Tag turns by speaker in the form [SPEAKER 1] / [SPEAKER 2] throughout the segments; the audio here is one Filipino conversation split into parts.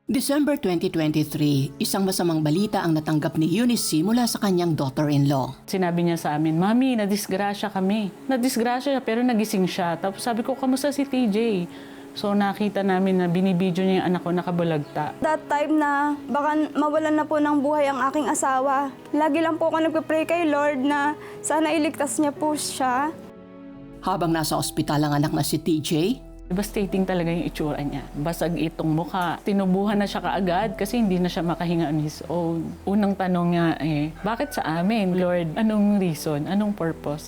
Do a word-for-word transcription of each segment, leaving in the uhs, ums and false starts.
[SPEAKER 1] December twenty twenty-three, isang masamang balita ang natanggap ni Eunice mula sa kanyang daughter-in-law.
[SPEAKER 2] Sinabi niya sa amin, Mami, nadisgrasya kami. Nadisgrasya pero nagising siya. Tapos sabi ko, kamusta si T J? So nakita namin na binibidyo niya yung anak ko nakabulagta.
[SPEAKER 3] That time na baka mawalan na po ng buhay ang aking asawa. Lagi lang po ako nagpe-pray kay Lord na sana iligtas niya po siya.
[SPEAKER 1] Habang nasa ospital ang anak na si T J,
[SPEAKER 2] Devastating talaga yung itsura niya. Basag itong mukha. Tinubuhan na siya kaagad kasi hindi na siya makahinga on his own. Unang tanong niya eh, bakit sa amin? Lord, anong reason? Anong purpose?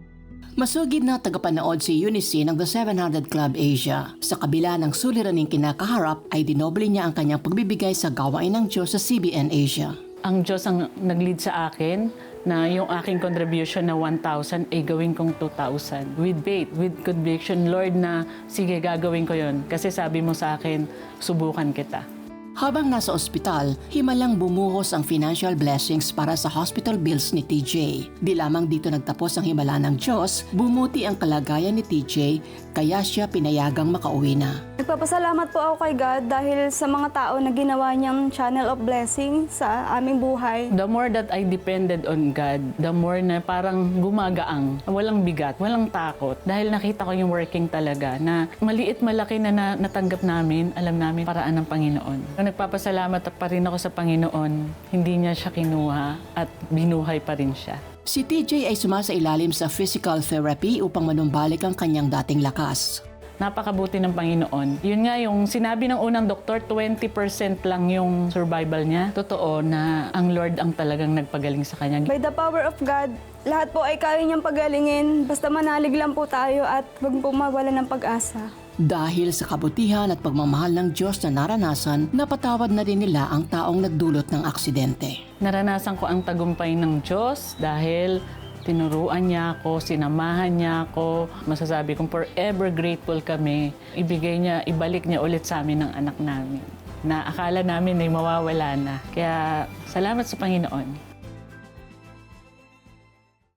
[SPEAKER 1] masugid na tagapanood si Eunice ng The seven hundred Club Asia. Sa kabila ng suliraning kinakaharap ay dinoble niya ang kanyang pagbibigay sa gawain ng Diyos sa C B N Asia.
[SPEAKER 2] Ang Diyos ang nag-lead sa akin na yung aking contribution na one thousand ay gawin kong two thousand. With faith, with conviction, Lord, na sige, gagawin ko yon. Kasi sabi mo sa akin, subukan kita.
[SPEAKER 1] Habang nasa ospital, himalang bumuhos ang financial blessings para sa hospital bills ni T J. Di lamang dito nagtapos ang himala ng Diyos, bumuti ang kalagayan ni T J kaya siya pinayagang makauwi na.
[SPEAKER 3] Nagpapasalamat po ako kay God dahil sa mga tao na ginawa niyang channel of blessing sa aming buhay.
[SPEAKER 2] The more that I depended on God, the more na parang gumagaang, walang bigat, walang takot. Dahil nakita ko yung working talaga na maliit malaki na, na natanggap namin, alam namin paraan ng Panginoon. Nagpapasalamat pa rin ako sa Panginoon, hindi niya siya kinuha at binuhay pa rin siya.
[SPEAKER 1] Si T J ay sumasailalim sa physical therapy upang manumbalik ang kanyang dating lakas.
[SPEAKER 2] Napakabuti ng Panginoon. Yun nga yung sinabi ng unang doktor, twenty percent lang yung survival niya. Totoo na ang Lord ang talagang nagpagaling sa kanya.
[SPEAKER 3] By the power of God, lahat po ay kaya niyang pagalingin. Basta manalig lang po tayo at huwag po mawalan ng pag-asa.
[SPEAKER 1] Dahil sa kabutihan at pagmamahal ng Diyos na naranasan, napatawad na din nila ang taong nagdulot ng aksidente.
[SPEAKER 2] Naranasan ko ang tagumpay ng Diyos dahil tinuruan niya ako, sinamahan niya ako. Masasabi kong forever grateful kami. Ibigay niya, ibalik niya ulit sa amin ang anak namin na akala namin ay mawawala na. Kaya salamat sa Panginoon.